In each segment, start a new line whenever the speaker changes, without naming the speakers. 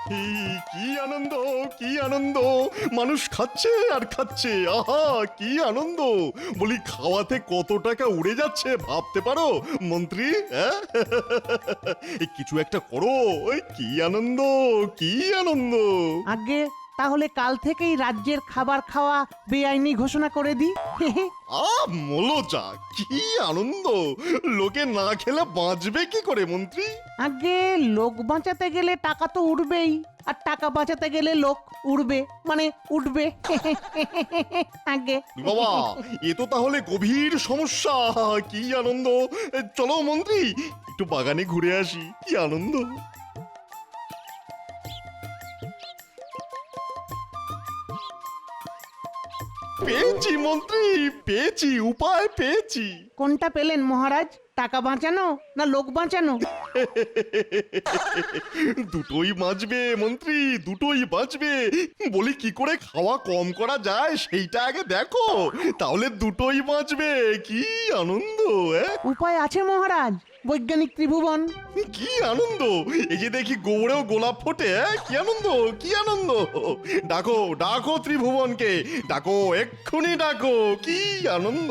কি আনন্দ, কি আনন্দ! মানুষ খাচ্ছে আর খাচ্ছে, আহা কি আনন্দ! বলি খাওয়াতে কত টাকা উড়ে যাচ্ছে ভাবতে পারো মন্ত্রী? হ্যাঁ? কিছু একটা করো, কি আনন্দ, কি আনন্দ!
আগে তাহলে কাল থেকেই রাজ্যের খাবার খাওয়া বেআইনি ঘোষণা করে দিই।
মলোচা, কি আনন্দ! লোকে না খেলে বাঁচবে কি করে মন্ত্রী?
আগে লোক বাঁচাতে গেলে টাকা তো উঠবেই, আর টাকা বাঁচাতে গেলে লোক উড়বে, মানে উঠবে। আগে
বাবা, এ তো তাহলে গভীর সমস্যা। কি আনন্দ! চলো মন্ত্রী, একটু বাগানে ঘুরে আসি, কি আনন্দ! পেয়েছি মন্ত্রী, পেয়েছি, উপায় পেয়েছি।
কোনটা পেলেন মহারাজ? টাকা বাঁচানো না লোক বাঁচানো?
দুটোই বাঁচবে মন্ত্রী, দুটোই বাঁচবে। বলি কি করে খাওয়া কম করা যায় সেইটা আগে দেখো, তাহলে দুটোই বাঁচবে। কি আনন্দ!
উপায় আছে মহারাজ, বৈজ্ঞানিক ত্রিভুবন।
কি আনন্দ! এই যে দেখি গোবরেও গোলাপ ফোটে, কি আনন্দ, কি আনন্দ! ডাকো, ডাকো ত্রিভুবনকে, ডাকো, এক্ষুনি ডাকো, কি আনন্দ!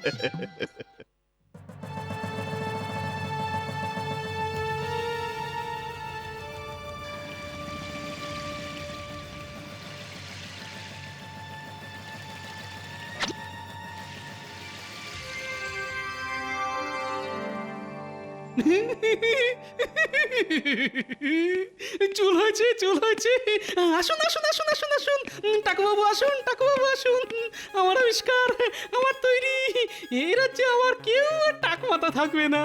চুল হয়েছে, চুল হয়েছে। আসুন আসুন আসুন আসুন আসুন, টাকুবাবু আসুন, টাকুবাবু আসুন। আমার আবিষ্কার, আমার তৈরি। এই রাজ্যে আমার কেউ আর টাক মাথা থাকবে না।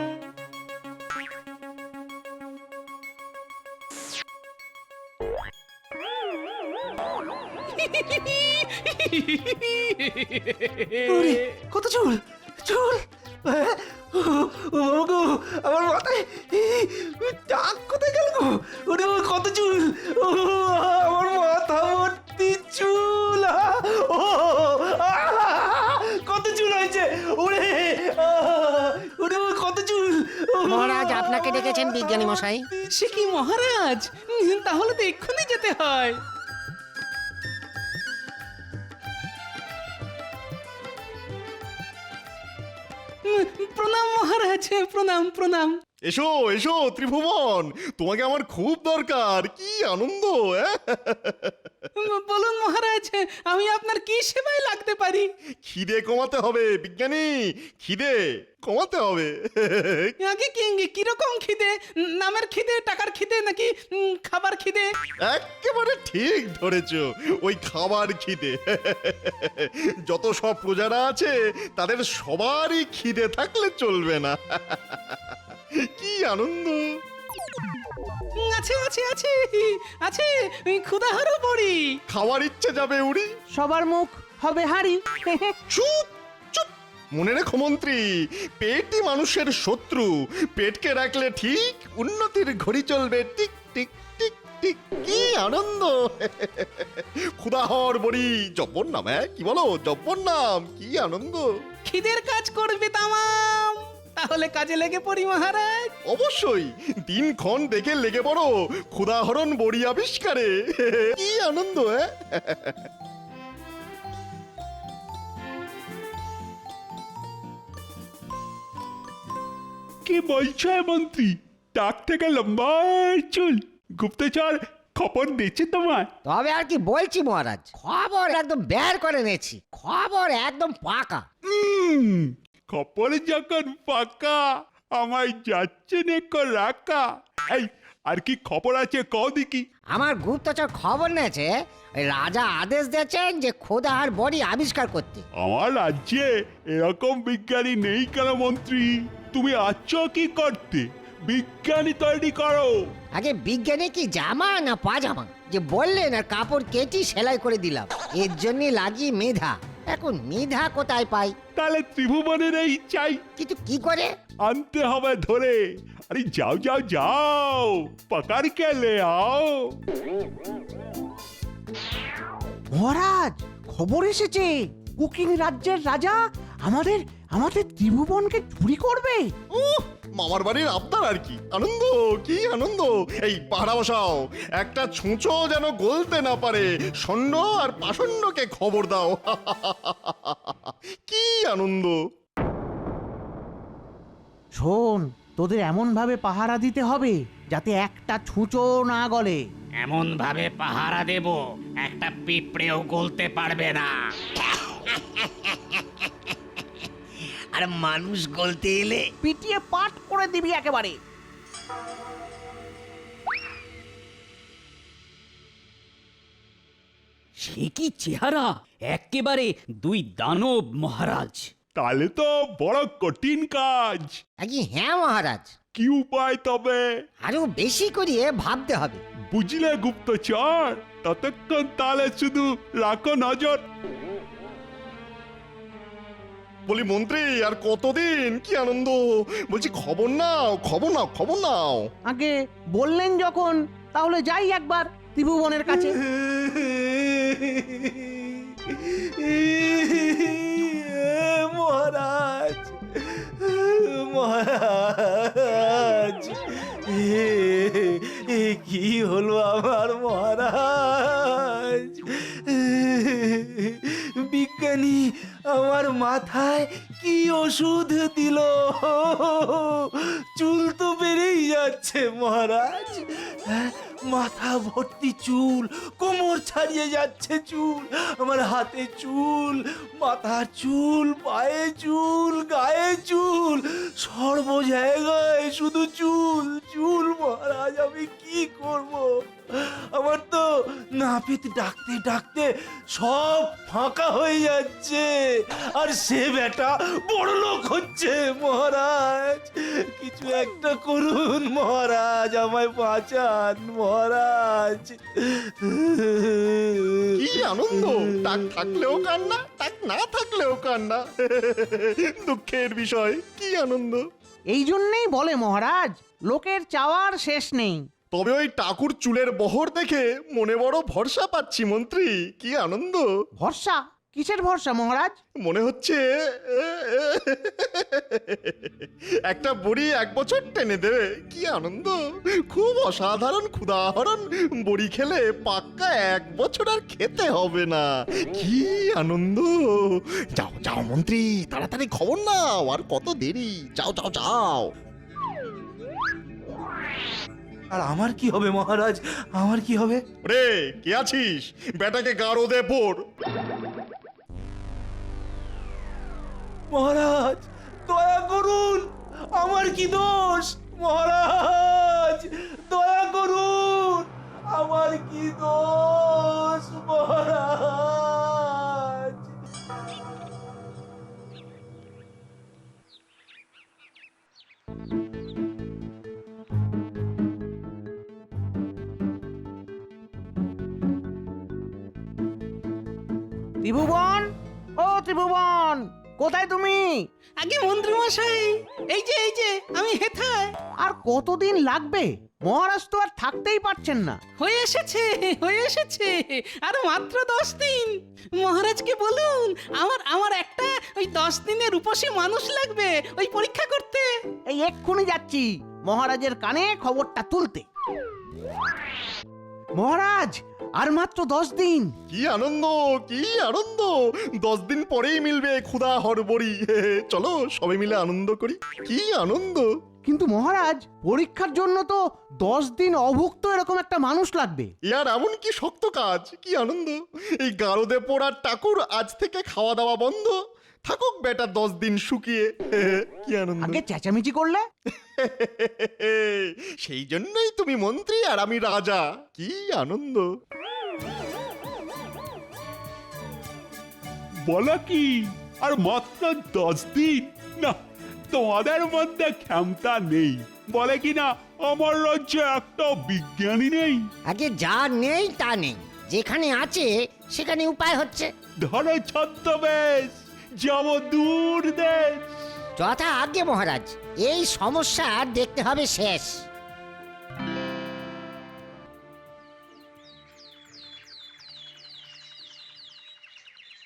কত চুল, চুল! আমার মাথায় টাক কোথায় গেল গো? ওরে কত চুল! আমার মাথা ভর্তি চুল! কত চুল হয়েছে! ওরে ওরে কত চুল!
মহারাজ আপনাকে ডেকেছেন বিজ্ঞানী মশাই।
সে কি মহারাজ? তাহলে তো এক্ষুনি যেতে হয়। প্রণাম মহারাজ, প্রণাম প্রণাম।
এসো এসো ত্রিভুবন, তোমাকে আমার খুব দরকার। কি আনন্দ!
বলুন মহারাজ, আমি আপনার কি সেবায় লাগতে পারি?
খিদে কমাতে হবে বিজ্ঞানী, খিদে কমাতে হবে।
আগে কি কিরকম খিদে? নামের খিদে, টাকার খিদে, নাকি খাবার খিদে?
একেবারে ঠিক ধরেছ, ওই খাবার খিদে। যত সব প্রজারা আছে তাদের সবারই খিদে থাকলে চলবে না। কি আনন্দ!
আছে আছে আছে আছে, ক্ষুধাহারও পড়ি।
খাওয়ার ইচ্ছে যাবে উড়ি।
সবার মুখ হবে হাঁড়ি।
চুপ চুপ! মনে রেখো মন্ত্রী, পেটই মানুষের শত্রু। পেটকে রাখলে ঠিক উন্নতির ঘড়ি চলবে, টিক টিক টিক টিক। কি আনন্দ! ক্ষুধাহর বড়ি, জব্বর নাম। কি বলো, জব্বর নাম? কি আনন্দ!
খিদের কাজ করবে তামাম। তাহলে কাজে লেগে পড়ি মহারাজ।
অবশ্যই, দিনক্ষণ দেখে লেগে পড়ো ক্ষুধাহরণ বড়ি আবিষ্কারে। কি আনন্দ!
কি বলছো মন্ত্রী? টাক থেকে লম্বা চুল, গুপ্তচর খবর দিচ্ছে তোমার?
তবে আর কি বলছি মহারাজ, খবর একদম বের করে নিয়েছি, খবর একদম পাকা।
খবর যখন পাকা, আমায় যাচ্ছে নেকো রাখা। এই আর কি খবর আছে কও দেখি।
আমার গুপ্তচর খবর নিয়েছে, ওই রাজা আদেশ দিয়েছেন যে খোদাহার বডি আবিষ্কার করতে।
আমার রাজ্যে এরকম বিজ্ঞানী নেই কেন মন্ত্রী? তুমি আছো কি করতে? বিজ্ঞানী তৈরি করো।
আগে বিজ্ঞানী কি জামা না পাজামা? যে বললেন আর কাপড় কেটে সেলাই করে দিলাম। এর জন্য লাগি মেধা। এখন মেধা কোথায় পাই?
তাহলে ত্রিভুবনের এই চাই,
কিন্তু কি করে?
আনতে হবে ধরে। আরে যাও যাও যাও, পাকার কেলে আও।
মহারাজ, খবর এসেছে, কুকিং রাজ্যের রাজা আমাদের আমাদের ত্রিভুবনকে চুরি করবে।
মামার বাড়ির আবদার আর কি আনন্দ, কি আনন্দ। এই পাহারা বসাও, একটা ছুঁচো যেন গলতে না পারে। ষণ্ড আর পাষণ্ডকে খবর দাও। কি আনন্দ।
শোন, তোদের এমন ভাবে পাহারা দিতে হবে যাতে একটা ছুঁচো না গলে।
এমন ভাবে পাহারা দেব একটা পিঁপড়েও গলতে পারবে না।
আর মানুষ গলতে এলে
পিটিয়ে পাট করে দিবি একেবারে।
সে কি চেহারা, একেবারে দুই দানব মহারাজ।
তাহলে তো বড় কঠিন কাজ।
আগে হ্যাঁ মহারাজ,
কি উপায় তবে?
আরো বেশি করিয়ে ভাবতে হবে।
বুঝলে গুপ্তচর, ততক্ষণ তাহলে শুধু রাখো নজর।
বলি মন্ত্রী, আর কতদিন? কি আনন্দ। বলছি খবর নাও, খবর নাও, খবর নাও।
আগে বললেন যখন, তাহলে যাই একবার ত্রিভুবনের কাছে।
মহারাজ, মহারাজ, কি হলো আমার মহারাজ? বিজ্ঞানী আমার মাথায় কি ওষুধ দিল? চুল তো বেড়েই যাচ্ছে মহারাজ। মাথা ভর্তি চুল, কোমর ছাড়িয়ে যাচ্ছে চুল, আমার হাতে চুল, মাথার চুল, পায়ে চুল, গায়ে চুল, সর্ব জায়গায় শুধু চুল চুল মহারাজ। আমি কি করব? আমার তো নাপিত ডাকতে ডাকতে সব ফাঁকা হয়ে যাচ্ছে, আর সে বেটা বড় লোক হচ্ছে মহারাজ। কিছু একটা করুন মহারাজ, আমায় বাঁচান মহারাজ।
কি আনন্দ। টাক থাকলেও কান্না, টাক না থাকলেও কান্না। দুঃখের বিষয়। কি আনন্দ।
এই জন্যেই বলে মহারাজ, লোকের চাওয়ার শেষ নেই।
তবে ওই টাকুর চুলের বহর দেখে মনে বড় ভরসা পাচ্ছি মন্ত্রী। কি আনন্দ।
ভরসা? কিসের ভরসা মহারাজ?
মনে হচ্ছে একটা বড়ি 1 বছর টেনে দেবে। কি আনন্দ। খুব অসাধারণ ক্ষুধাহরণ। বড়ি খেলে পাক্কা 1 বছর আর খেতে হবে না। কি আনন্দ। যাও যাও মন্ত্রী, তাড়াতাড়ি খবর নাও। আর কত দেরি। যাও যাও যাও।
আর আমার কি হবে মহারাজ? আমার কি হবে?
রে, কে আছিস? বেটাকে গাড়ো দে পড়।
মহারাজ দয়া করুন, আমার কি দোষ? মহারাজ দয়া করুন, আমার কি দোষ মহারাজ?
ত্রিভুবন, ও ত্রিভুবন, কোথায় তুমি?
আগে মন্ত্রী মশাই, এই যে আমি হেথায়।
আর কতদিন লাগবে? মহারাজ তো আর থাকতেই পারছেন না।
হয়ে এসেছে আর মাত্র 10 দিন। মহারাজকে বলুন আমার একটা ওই 10 দিনের রূপসী মানুষ লাগবে ওই পরীক্ষা করতে।
এই এক্ষুনি যাচ্ছি মহারাজের কানে খবরটা তুলতে। মহারাজ, আর মাত্র 10 দিন।
কি আনন্দ, কি আনন্দ। 10 দিন পরেই মিলবে ক্ষুধা হরবড়ি। চলো সবাই মিলে আনন্দ করি। কি আনন্দ।
কিন্তু মহারাজ, পরীক্ষার জন্য তো 10 দিন অভুক্ত এরকম একটা মানুষ লাগবে।
ইয়ার এমন কি শক্ত কাজ। কি আনন্দ। এই গারদে পোড়ার টাকুর আজ থেকে খাওয়া দাওয়া বন্ধ। থাকুক বেটা 10 দিন শুকিয়ে। কি আনন্দ।
আগে চেঁচামেচি করলে।
সেই জন্যই তুমি মন্ত্রী আর আমি রাজা। কি আনন্দ।
বলো কি, আর মাত্র 10 দিন? না, তোমাদের মধ্যে ক্ষমতা নেই। বলে কি না, আমার রাজ্যে একটা বিজ্ঞানী নেই।
আগে যা নেই তা নেই, যেখানে আছে সেখানে উপায় হচ্ছে।
ধরো ছদ্মবেশ, যাব দূর দেশ।
যথা আজ্ঞে মহারাজ, এই সমস্যা দেখতে হবে শেষ।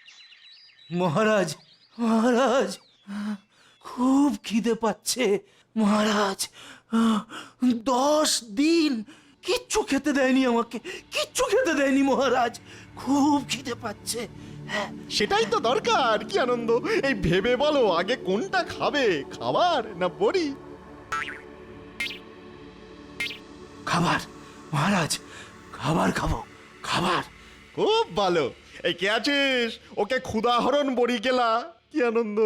মহারাজ, মহারাজ, খুব খিদে পাচ্ছে, মহারাজ 10 দিন কিচ্ছু খেতে দেয়নি আমাকে, কিচ্ছু খেতে দেয়নি মহারাজ। খুব খিদে পাচ্ছে। হ্যাঁ,
সেটাই তো দরকার। কি আনন্দ, এই ভেবে বলো আগে কোনটা খাবে, খাবার না বড়ি?
খাবার মহারাজ, খাবার খাবো, খাবার।
খুব ভালো। এই কে আছিস, ওকে ক্ষুদাহরণ বড়ি গেলা। কি আনন্দ।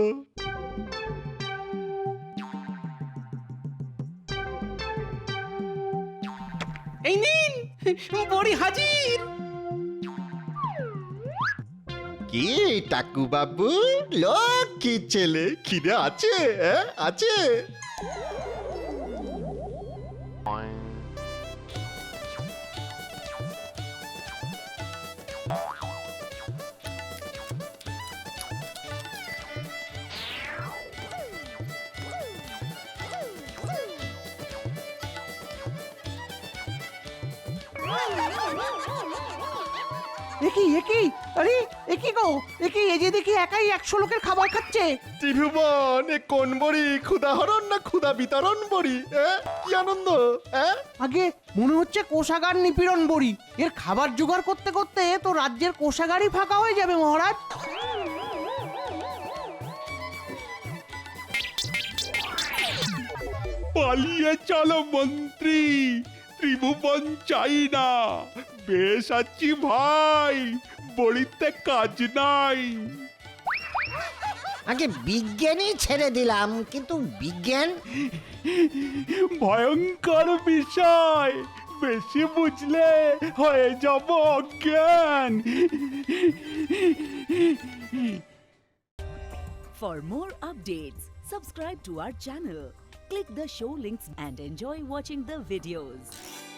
এই নিন বড়ি হাজির।
কি টাকু বাবু, লক্ষ্মী ছেলে, খিদে আছে? আছে?
একই আরে একই গো, একই এই যে দেখি একাই 100 লোকের খাবার খাচ্ছে।
ত্রিভুবন, এ কোন বড়ি, ক্ষুদাহরণ না ক্ষুদা বিতরণ বড়ি? কি আনন্দ।
আগে মনে হচ্ছে কোষাগার নিপীড়ন বড়ি। এর খাবার জোগাড় করতে করতে তো রাজ্যের কোষাগারই ফাঁকা হয়ে যাবে মহারাজ।
পালিয়ে চলো মন্ত্রী, ত্রিভুবন চাই না। বেশ আছি ভাই, বড়িতে কাজ নাই।
আগে বিজ্ঞানই ছেড়ে দিলাম, কিন্তু বিজ্ঞান
ভয়ঙ্কর বিষয়, বেশি বুঝলে হয়ে যাব অজ্ঞান।
For more updates, subscribe to our channel, click the show links and enjoy watching the videos.